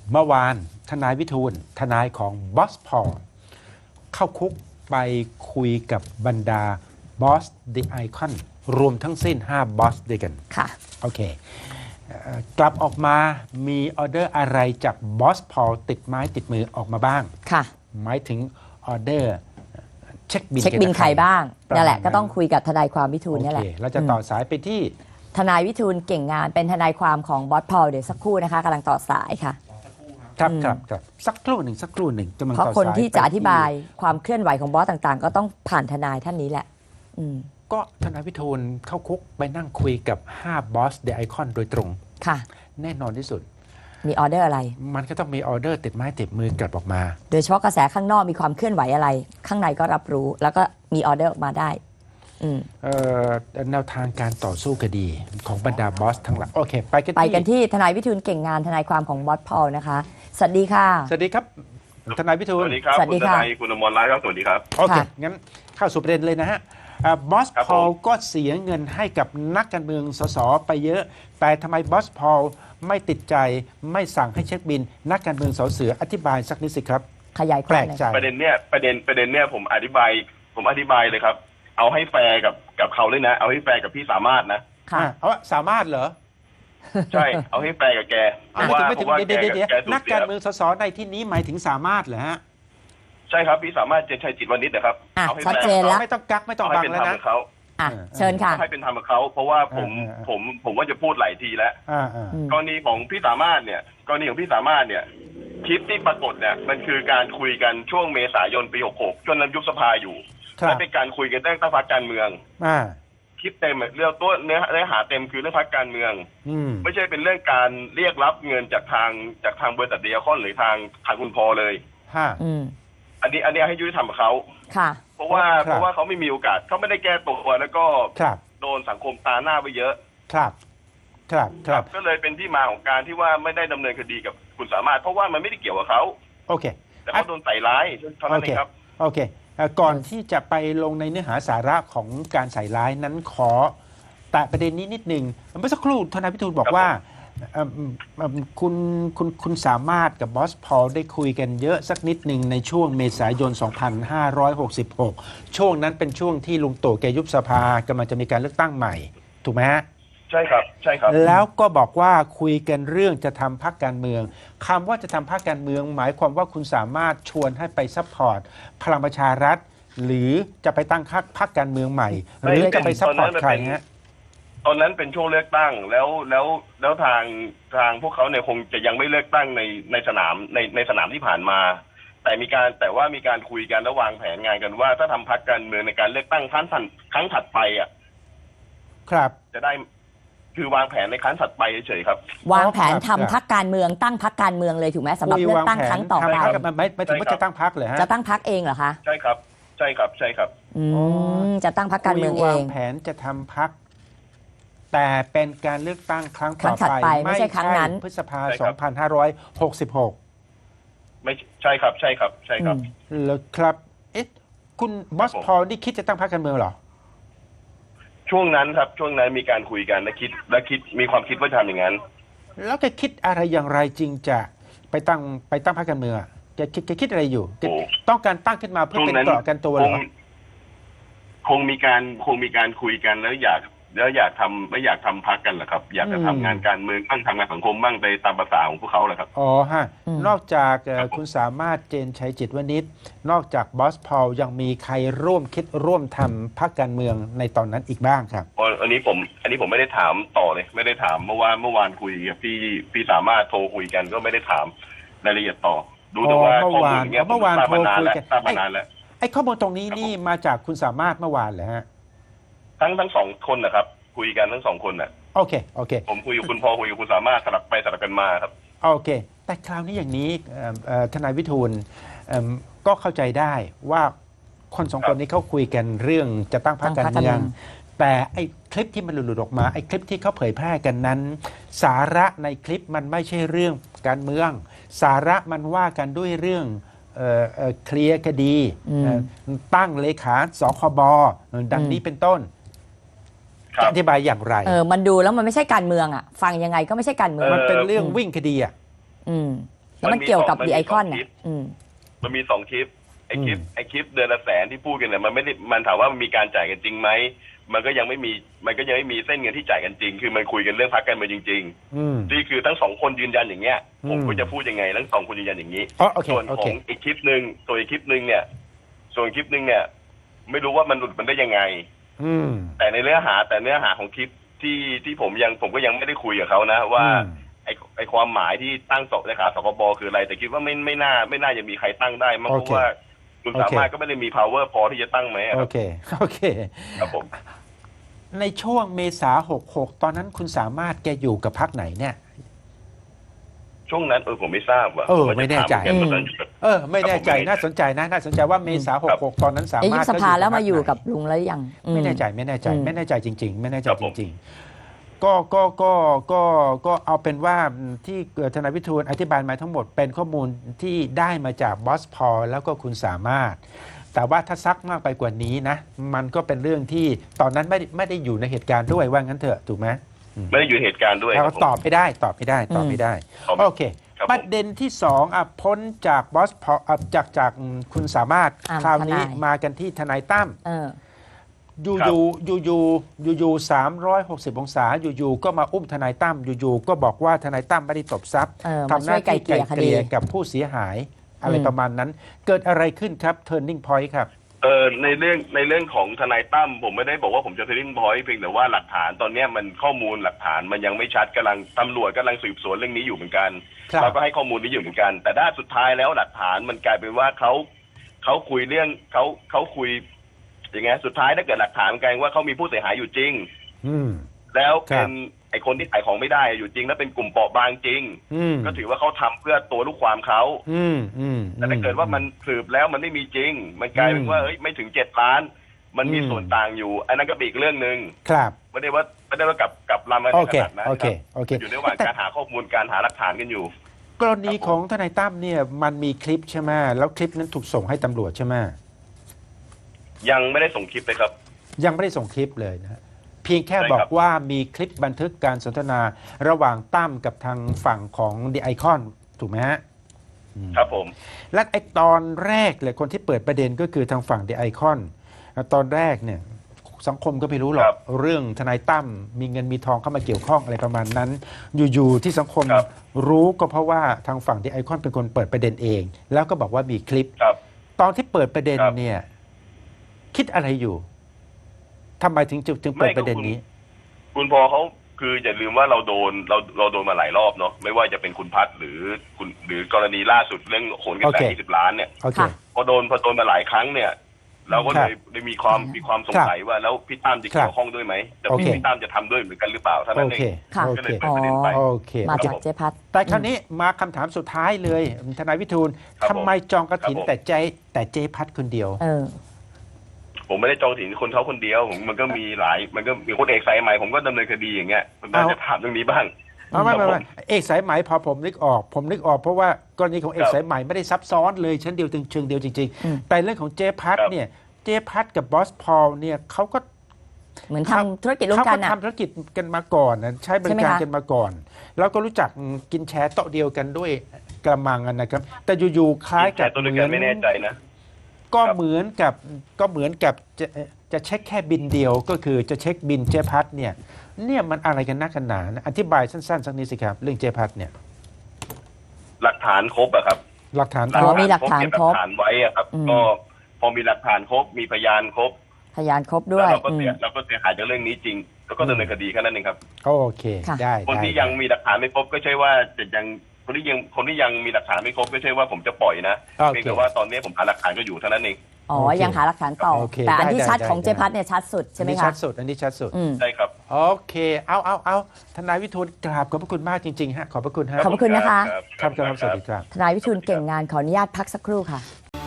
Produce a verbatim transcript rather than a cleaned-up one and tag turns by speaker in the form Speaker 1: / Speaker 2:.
Speaker 1: เมื่อวานทนายวิทูลทนายของบอสพอลเข้าคุกไปคุยกับบรรดาบอสเดอะไอคอนรวมทั้งสิ้นห้าบอสด้วยกัน
Speaker 2: ค่ะ
Speaker 1: โอเคเอ่อกลับออกมามีออเดอร์อะไรจากบอสพอลติดไม้ติดมือออกมาบ้าง
Speaker 2: ค่ะ
Speaker 1: หมายถึงออเดอร์เช็คบิน
Speaker 2: เช็คบินใครบ้างนั่นแหละก็ต้องคุยกับทนายความวิทูลนี่แหละ
Speaker 1: เราจะต่อสายไปที่
Speaker 2: ทนายวิทูลเก่งงานเป็นทนายความของบอสพอลเดี๋ยวสักครู่นะคะกำลังต่อสายค่ะ
Speaker 1: ครับครับครับสักครู่หนึ่งสักครู่หนึ่งกำลัง
Speaker 2: เพราะ
Speaker 1: ต่อ
Speaker 2: คน
Speaker 1: สาย
Speaker 2: ที่จะอธิบายความเคลื่อนไหวของบอสต่างๆ ก็ต้องผ่านทนายท่านนี้แหละอืม
Speaker 1: ก็ทนายวิทูลเข้าคุกไปนั่งคุยกับห้าบอสเดอะไอคอนโดยตรง
Speaker 2: ค่ะ
Speaker 1: แน่นอนที่สุด
Speaker 2: มีออเดอร์อะไร
Speaker 1: มันก็ต้องมีออเดอร์ติดไม้ติดมือกลับออกมา
Speaker 2: โดยเฉพาะกระแสข้างนอกมีความเคลื่อนไหวอะไรข้างในก็รับรู้แล้วก็มีออเดอร์ออกมาได้
Speaker 1: แนวทางการต่อสู้คดีของบรรดาบอสทั้งหลายโอเคไปกันที่
Speaker 2: ไปกันที่ทนายวิทูลเก่งงานทนายความของบอสพอลนะคะสวัสดีค่ะ
Speaker 1: สวัสดีครับทนายวิทูล
Speaker 3: สวัสดีครับ
Speaker 2: สวัสดีค่ะ
Speaker 3: คุณทนายคุณอมรรัตน์ครับสวัสดีครับ
Speaker 1: โอเคงั้นเข้าสู่ประเด็นเลยนะฮะบอสพอลก็เสียเงินให้กับนักการเมืองสสไปเยอะแต่ทำไมบอสพอลไม่ติดใจไม่สั่งให้เช็คบินนักการเมืองสอเสืออธิบายสักนิดสิครับ
Speaker 2: ขยายความ
Speaker 1: แปลกใจ
Speaker 3: ประเด็นเนี้ยประเด็นประเด็นเนี้ยผมอธิบายผมอธิบายเลยครับเอาให้แฟร์กับกับเขาเลยนะเอาให้แฟร์กับพี่สามารถนะ
Speaker 2: ค่ะ
Speaker 1: เอาสามารถเหรอ
Speaker 3: ใช่เอาให้แฟร์กับแกเพราะว่าเพราะว่าแกแก
Speaker 1: นักการเมืองสสในที่นี้หมายถึงสามารถเหรอฮะ
Speaker 3: ใช่ครับพี่สามารถเจนชัยจิตวณิชนะครับ
Speaker 2: เอาให้ชัดเจนแล้ว
Speaker 1: ไม่ต้องกักไม่ต้องบังแล้วนะ
Speaker 2: อ่ะเชิญค่ะ
Speaker 3: ให้เป็นธรรมกับเขาเพราะว่าผมผมผมว่าจะพูดหลายทีแล้วกรณีของพี่สามารถเนี่ยกรณีของพี่สามารถเนี่ยคลิปที่ปรากฏเนี่ยมันคือการคุยกันช่วงเมษายนปีหกหกจนนั้นยุบสภาอยู่และเป็นการคุยกันเรื่องตั้งพรรคการเมืองคลิปเต็มเรื่องตัวเนื้อเนื้อหาเต็มคือเรื่องพรรคการเมืองไม่ใช่เป็นเรื่องการเรียกรับเงินจากทางจากทางบริษัทเดียคอนหรือทางทางคุณพอเลยอันนี้อันนี้ให้ยุติธรรมกับเขาเพราะว่าเพราะว่าเขาไม่มีโอกาสเขาไม่ได้แก้ตัวแล้วก็โดนสังคมตาหน้าไปเยอะ
Speaker 1: ครับครับครับ
Speaker 3: ก็เลยเป็นที่มาของการที่ว่าไม่ได้ดำเนินคดีกับคุณสามารถเพราะว่ามันไม่ได้เกี่ยวกับเขา
Speaker 1: โอเค
Speaker 3: แต่เขาโดนใส่ร้ายเท่านั้นเองครับ
Speaker 1: โอเคก่อนที่จะไปลงในเนื้อหาสาระของการใส่ร้ายนั้นขอแต่ประเด็นนี้นิดหนึ่งเมื่อสักครู่ทนายพิทูลบอกว่าคุณคุณคุณสามารถกับบอสพอลได้คุยกันเยอะสักนิดหนึ่งในช่วงเมษายน สองพันห้าร้อยหกสิบหก ช่วงนั้นเป็นช่วงที่ลุงตู่แกยุบสภากำลังจะมีการเลือกตั้งใหม่ถูกไหมฮะ
Speaker 3: ใช่ครับใช่ครับ
Speaker 1: แล้วก็บอกว่าคุยกันเรื่องจะทำพรรคการเมืองคำว่าจะทำพรรคการเมืองหมายความว่าคุณสามารถชวนให้ไปซัพพอร์ตพลังประชารัฐหรือจะไปตั้งพรรคพรรคการเมืองใหม่หรือจะไปซัพพอร์ตใครฮะ
Speaker 3: ตอนนั้นเป็นช่วงเลือกตั้งแล้วแล้วแล้วทางทางพวกเขาเนี่ยคงจะยังไม่เลือกตั้งในในสนามในในสนามที่ผ่านมาแต่มีการแต่ว่ามีการคุยกันและวางแผนงานกันว่าถ้าทำพรรคการเมืองในการเลือกตั้งครั้งถัดครั้งถัดไปอ่ะ
Speaker 1: ครับ
Speaker 3: จะได้คือวางแผนในครั้งถัดไปเฉยๆครับ
Speaker 2: วางแผนทำพรรคการเมืองตั้งพรรคการเมืองเลยถูกไหมสำหรับเลือกตั้งครั้งต่อไป
Speaker 1: ไม่ไม่ถึงว่าจะตั้งพรรคเลยฮะ
Speaker 2: จะตั้งพรรคเองเหรอคะ
Speaker 3: ใช่ครับใช่ครับใช่ครับ
Speaker 2: อืมจะตั้งพรรคการเมืองเอง
Speaker 1: วางแผนจะทำพรรคแต่เป็นการเลือกตั้งครั้งต่อ
Speaker 2: ไปไม่ใช่ครั้งนั้น
Speaker 1: พฤษภาคม สองพันห้าร้อยหกสิบหก
Speaker 3: ไม่ใช่ครับใช่ครับใช่ครับ
Speaker 1: แล้วครับเอ๊ะคุณบอสพอลนี่คิดจะตั้งพรรคการเมืองเหรอ
Speaker 3: ช่วงนั้นครับช่วงนั้นมีการคุยกันและคิดและคิดมีความคิดว่าทำอย่างนั้น
Speaker 1: แล้วแกคิดอะไรอย่างไรจริงจะไปตั้งไปตั้งพรรคการเมืองแกคิดแกคิดอะไรอยู่ต้องการตั้งขึ้นมาเพื่อเป็นเกราะกันตัวเหรอ
Speaker 3: คงมีการคงมีการคุยกันแล้วอยากแล้วอยากทำไม่อยากทำพักกันเหรอครับอยากจะทำงานการเมืองบ้างทำงานสังคมบ้างไปตามภาษาของพวกเขาเหรอครับ
Speaker 1: อ๋อฮะนอกจากคุณสามารถเจนชัยจิตวณิชนอกจากบอสพอลยังมีใครร่วมคิดร่วมทำพรรคการเมืองในตอนนั้นอีกบ้างครับ
Speaker 3: อ๋ออันนี้ผมอันนี้ผมไม่ได้ถามต่อเลยไม่ได้ถามเมื่อวานเมื่อวานคุยกับพี่พี่สามารถโทรคุยกันก็ไม่ได้ถามรายละเอียดต่อดูแต่ว่าข้อมูลเนี้ย
Speaker 1: เมื่อวานโทรคุยกัน
Speaker 3: ทราบมานานแล้ว
Speaker 1: ไอ้ข้อมูลตรงนี้นี่มาจากคุณสามารถเมื่อวานเหรอฮะ
Speaker 3: ทั้งทั้งสองคนนะครับคุยกันทั้งสองคนน่ะ
Speaker 1: โอเคโอเค
Speaker 3: ผมคุยกับคุณพอคุยกับคุณสามารถสลับไปสลับกันมาครับ
Speaker 1: โอเคแต่คราวนี้อย่างนี้ทนายวิทูลก็เข้าใจได้ว่าคนสองคนนี้เขาคุยกันเรื่องจะตั้งพรรคการเมืองแต่ไอ้คลิปที่มันหลุดออกมาไอ้คลิปที่เขาเผยแพร่กันนั้นสาระในคลิปมันไม่ใช่เรื่องการเมืองสาระมันว่ากันด้วยเรื่องเคลียร์คดีตั้งเลขาสคบดังนี้เป็นต้นจะอธิบายอย่างไร
Speaker 2: เออมันดูแล้วมันไม่ใช่การเมืองอ่ะฟังยังไงก็ไม่ใช่การเมือง
Speaker 1: มันเป็นเรื่องวิ่งคดีอ่ะ
Speaker 2: อืมแล้วมันเกี่ยวกับ
Speaker 3: มัน
Speaker 2: ดี
Speaker 3: มี
Speaker 2: ไอคอน
Speaker 3: สองคลิ
Speaker 2: เนี่ย
Speaker 3: ป
Speaker 2: อืม
Speaker 3: มันมีสองคลิปไอคลิป
Speaker 1: อืม
Speaker 3: ไอคลิปเดือนละแสนที่พูดกันเนี่ยมันไม่ได้มันถามว่ามันมีการจ่ายกันจริงไหมมันก็ยังไม่มีมันก็ยังไม่มีเส้นเงินที่จ่ายกันจริง คือมันคุยกันเรื่องพรรคการเมืองจริง
Speaker 1: อืม
Speaker 3: ๆนี่คือทั้งสองคนยืนยันอย่างเงี้ย
Speaker 1: อืม
Speaker 3: ผมก็จะพูดยังไงทั้งสองคนยืนยันอย่างนี้
Speaker 1: อ๋อโอเค
Speaker 3: ส่วน
Speaker 1: โอ
Speaker 3: ข
Speaker 1: เค
Speaker 3: องอีกคลิปหนึ่งส่วนอีกคลิปหนึ่งเนี่ย ส่วนคลิปหนึ่งเนี่ย ไม่รู้ว่ามันหลุดมันได้ยังไง
Speaker 1: อืม
Speaker 3: แต่ในเนื้อหาแต่เนื้อหาของคลิปที่ที่ผมยังผมก็ยังไม่ได้คุยกับเขานะว่า
Speaker 1: อืม
Speaker 3: ไอไอความหมายที่ตั้งสเลขาสคบคืออะไร แต่คิดว่าไม่ไม่น่าไม่น่าจะมีใครตั้งได้มั้ง
Speaker 1: โอ
Speaker 3: เพ
Speaker 1: เค
Speaker 3: ราะว่าคุณ
Speaker 1: โอเค
Speaker 3: สามารถก็ไม่ได้มี power พอที่จะตั้งไหมอะ
Speaker 1: โอ
Speaker 3: ครับ
Speaker 1: เคโอเค
Speaker 3: ครับผม
Speaker 1: ในช่วงเมษาหกหกตอนนั้นคุณสามารถแกอยู่กับพรรคไหนเนี่ย
Speaker 3: ช่วงนั้นเออผมไม่ทราบว่ะ
Speaker 1: เออ
Speaker 3: ผว่า
Speaker 1: ไม่แน่ใจ
Speaker 3: ถาเหมือนกันตอนนั้นอยู่กับ
Speaker 1: เออ ไม่แน่ใจ
Speaker 3: ครับผม
Speaker 1: น่าสนใจนะน่าสนใจว่าเมษาห
Speaker 3: ครั
Speaker 1: ก
Speaker 3: บ
Speaker 1: หกตอนนั้นสา
Speaker 2: เอ๊ะ
Speaker 1: มาร
Speaker 2: ยุ
Speaker 1: ถ
Speaker 2: บสภา
Speaker 1: ก็อยู่
Speaker 2: แล้วมาอยู่
Speaker 1: พรรคไหน
Speaker 2: กับลุงแล้วหรือยังอื
Speaker 1: ไม่แน่ใจไม่แน่ใจ
Speaker 2: อืม
Speaker 1: ไม่แน่ใจจริง ๆ ไม่แน่ใจ
Speaker 3: ครับ
Speaker 1: จ
Speaker 3: ผม
Speaker 1: ริง ๆ ก็ก็ก็ก็ก็เอาเป็นว่าที่ทนายวิทูลอธิบายมาทั้งหมดเป็นข้อมูลที่ได้มาจากบอสพอลแล้วก็คุณสามารถ แต่ว่าถ้าซักมากไปกว่านี้นะ มันก็เป็นเรื่องที่ตอนนั้นไม่ได้ไม่ได้อยู่ในเหตุการณ์ด้วยว่างั้นเถอะถูกไหม
Speaker 3: ไม่ได้อยู่ในเหตุการณ์ด้วยค
Speaker 1: เรา
Speaker 3: รับผม
Speaker 1: ตอบไม่ได้ตอบไม่ได้ตอบไม่ได้
Speaker 3: ตอบไม่
Speaker 1: โอเค
Speaker 3: ครับผม
Speaker 1: ประเด็นที่สองอ่ะพ้นจากบอสพออ่ะจากจากคุณสามารถ
Speaker 2: อ่า
Speaker 1: คราวนี้
Speaker 2: ทนาย
Speaker 1: มากันที่ทนายตั้ม
Speaker 2: เออ
Speaker 1: อยู่อยู่อยู่อยู่อยู่อยู่สามร้อยหกสิบองศาอยู่อยู่ก็มาอุ้มทนายตั้มอยู่อยู่ก็บอกว่าทนายตั้มไม่ได้ตบทรัพย์
Speaker 2: เออมา
Speaker 1: ทำหน้าที่
Speaker 2: ช่วยไกล่
Speaker 1: ไกล่
Speaker 2: เกลี่ยคดี
Speaker 1: เกลี่ยกับผู้เสียหาย อะไร
Speaker 2: อืม
Speaker 1: ประมาณนั้น เกิดอะไรขึ้นครับ turning point ครับ
Speaker 3: เออในเรื่องในเรื่องของทนายตั้มผมไม่ได้บอกว่าผมจะเทรนพอยต์เพียงแต่ว่าหลักฐานตอนเนี้ยมันข้อมูลหลักฐานมันยังไม่ชัดกำลังตำรวจกำลังสืบสวนเรื่องนี้อยู่เหมือนกัน
Speaker 1: ครับ
Speaker 3: เราก็ให้ข้อมูลนี้อยู่เหมือนกัน แต่ด้านสุดท้ายแล้วหลักฐานมันกลายเป็นว่าเขาเขาคุยเรื่องเขาเขาคุยอย่างไงสุดท้ายถ้าเกิดหลักฐานมันกลายเป็นว่าเขามีผู้เสียหายอยู่จริง
Speaker 1: อืม
Speaker 3: แล้วเป็
Speaker 1: ครั
Speaker 3: น
Speaker 1: บ
Speaker 3: ไอคนที่ขายของไม่ได้อยู่จริง แล้วเป็นกลุ่มเปราะบางจริง
Speaker 1: อืม
Speaker 3: ก็ถือว่าเขาทำเพื่อตัวลูกความเขา
Speaker 1: อืมอืม
Speaker 3: แต่ถ้าเกิดว่ามันสืบแล้วมันไม่มีจริง มันกลายเป็นว่าเฮ้ยไม่ถึงเจ็ดล้าน มันมี
Speaker 1: อืม
Speaker 3: ส่วนต่างอยู่ อันนั้นก็เป็นอีกเรื่องหนึ่ง
Speaker 1: ครับ
Speaker 3: ไม่ได้ว่าไม่ได้ว่ากับกับลำมา
Speaker 1: โอ
Speaker 3: ถึง
Speaker 1: เค
Speaker 3: ขนาดนั้น
Speaker 1: โอเค
Speaker 3: ครับ
Speaker 1: โอเค
Speaker 3: อยู่ในระหว่าง
Speaker 1: แต่
Speaker 3: การหาข้อมูลการหาหลักฐานกันอยู่
Speaker 1: กรณีของทนายตั้มเนี่ยมันมีคลิปใช่ไหมแล้วคลิปนั้นถูกส่งให้ตำรวจใช่ไหม
Speaker 3: ยังไม่ได้ส่งคลิปเลยครับ
Speaker 1: ยังไม่ได้ส่งคลิปเลยนะฮะเพียงแค่
Speaker 3: ใช่
Speaker 1: บ
Speaker 3: ค
Speaker 1: อ
Speaker 3: รั
Speaker 1: ก
Speaker 3: บ
Speaker 1: ว่ามีคลิปบันทึกการสนทนาระหว่างตั้มกับทางฝั่งของดีไอคอนถูกไหมฮะอืม
Speaker 3: ครับผม
Speaker 1: และไอตอนแรกเลยคนที่เปิดประเด็นก็คือทางฝั่งดีไอคอนตอนแรกเนี่ยสังคมก็ไม่รู้หรอกเรื่องทนายตั้มมีเงินมีทองเข้ามาเกี่ยวข้องอะไรประมาณนั้น อยู่ๆที่สังคมรู้ก็เพราะว่าทางฝั่งดีไอคอนเป็นคนเปิดประเด็นเอง แล้วก็บอกว่ามีคลิป
Speaker 3: ครับ
Speaker 1: ตอนที่เปิดประเด็น
Speaker 3: ครับ
Speaker 1: เนี่ยคิดอะไรอยู่ทำไมถึงจึงจึงเปิดประเด็นนี้
Speaker 3: คุณพอเขาคืออย่าลืมว่าเราโดนเราเราโดนมาหลายรอบเนาะไม่ว่าจะเป็นคุณพัฒน์หรือคุณหรือกรณีล่าสุดเรื่องโขนกระแส
Speaker 1: โอเค
Speaker 3: ยี่สิบล้านเนี่ย
Speaker 1: โอเค
Speaker 2: ค่ะ
Speaker 3: พอโดนพอโดนมาหลายครั้งเนี่ย เราก็เลยได้มีความมีความสงสัยว่าแล้วพี่ตั้มจะเกี่ยวข้องด้วยไหมแต่
Speaker 1: โอเค
Speaker 3: พี่ตั้มจะทำด้วยเหมือนกันหรือเปล่าเท่า
Speaker 1: โอ
Speaker 3: นั้นเอ
Speaker 1: เค
Speaker 3: ง
Speaker 2: ค่ะ
Speaker 1: โอ
Speaker 3: ก็
Speaker 1: เค
Speaker 3: เลยเปิดประเด็นไป
Speaker 1: โอเค
Speaker 2: มา
Speaker 1: โอเค
Speaker 2: จากเจ๊พัด
Speaker 1: แต่คราวนี้มาคำถามสุดท้ายเลยทนายวิทูล
Speaker 3: ครับผม
Speaker 1: ทำไมจองกระถิน
Speaker 3: ครับผม
Speaker 1: แต่ใจแต่เจพัดคนเดียว
Speaker 2: เออ
Speaker 3: ผมไม่ได้จองถึงคนเขาคนเดียวผมมันก็มีหลาย มันก็มีคนเอกสายใหม่ผมก็ดำเนินคดีอย่างเงี้ยมันน่า
Speaker 1: เอา
Speaker 3: จะถามเรื่องนี้บ้าง
Speaker 1: ไม่ไม่ไม่
Speaker 3: ครับผ
Speaker 1: ไม่เอกสายไหมพอผมนึกออก ผมนึกออกเพราะว่ากรณีของเอก
Speaker 3: ครับ
Speaker 1: สายไหมไม่ได้ซับซ้อนเลยชั้นเดียวเชิงเดียวจริง
Speaker 2: อืม
Speaker 1: ๆ แต่เรื่องของเจพัด
Speaker 3: ครับ
Speaker 1: เนี่ยเจพัดกับบอสพอลเนี่ยเขาก็
Speaker 2: เหมือนทำธุรกิจร่วม
Speaker 1: เขา
Speaker 2: กั
Speaker 1: ก็
Speaker 2: นอ่ะ
Speaker 1: ทำธุรกิจกันมาก่อนนะใช้บริ
Speaker 2: ใช่ไหม
Speaker 1: การ
Speaker 2: คะ
Speaker 1: กันมาก่อน แล้วก็รู้จักกินแชร์โต๊ะเดียวกันด้วยกระมังกันนะครับ แต่อยู่ๆคล้ายกับ
Speaker 3: แต่ตัว
Speaker 1: เห
Speaker 3: เดียว
Speaker 1: มื
Speaker 3: กั
Speaker 1: อน น
Speaker 3: ไม่แน่ใจนะ
Speaker 1: ก็
Speaker 3: ครับ
Speaker 1: เหมือนกับก็เหมือนกับจะจะเช็คแค่บินเดียวก็คือจะเช็คบินเจพัดเนี่ยเนี่ยมันอะไรกันนักกันหนานะอธิบายสั้นๆสักนิดสิครับเรื่องเจพัดเนี่ย
Speaker 3: หลักฐานครบอะครับ
Speaker 1: หลักฐาน
Speaker 2: อ๋อมีหลักฐาน
Speaker 3: เก็บห
Speaker 2: คร
Speaker 3: ลั
Speaker 2: บ
Speaker 3: กฐานไว้อะครับ
Speaker 2: อืม
Speaker 3: ก็พอมีหลักฐานครบมีพยานครบ
Speaker 2: พยานครบด้
Speaker 3: แล้ว
Speaker 2: วย
Speaker 3: เราก็
Speaker 2: อื
Speaker 3: เสีย
Speaker 2: ม
Speaker 3: เราก็เสียหายจากเรื่องนี้จริง แล้วก็ดำเนินคดีแค่นั้นเองครับ
Speaker 1: โอเค
Speaker 2: ค่ะ
Speaker 1: ได้
Speaker 3: คน
Speaker 1: ได้
Speaker 3: ที่ยังมีหลักฐานไม่ครบก็ใช่ว่าจะยังคนที่ยังคนที่ยังมีหลักฐานไม่ครบก็ใช่ว่าผมจะปล่อยนะ
Speaker 1: โอ
Speaker 3: เพียง
Speaker 1: เค
Speaker 3: แต่ว่าตอนนี้ผมหาหลักฐานก็อยู่เท่านั้นเอง
Speaker 2: อ๋อ
Speaker 1: โอเค
Speaker 2: ยังหาหลักฐานต่อ
Speaker 1: โอเค
Speaker 2: แต่อันที่
Speaker 1: ได้
Speaker 2: ชัด
Speaker 1: ได้
Speaker 2: ของ
Speaker 1: ได้
Speaker 2: เจ๊พัดเนี่ยชัดสุดใช่ไหม
Speaker 1: อันนี้
Speaker 2: คะ
Speaker 1: ชัดสุดอันนี้ชัดสุด
Speaker 2: อืม
Speaker 3: ใช่ครับ
Speaker 1: โอเคเอาเอาเอาทนายวิทูลกราบขอบพระคุณมากจริงๆฮะขอบพระคุณฮะ
Speaker 2: ขอบพระคุณนะคะ
Speaker 1: ครับครับสวัสดีครับ
Speaker 2: ทนายวิทูลเก่งงานขออนุญาตพักสักครู่ค่ะ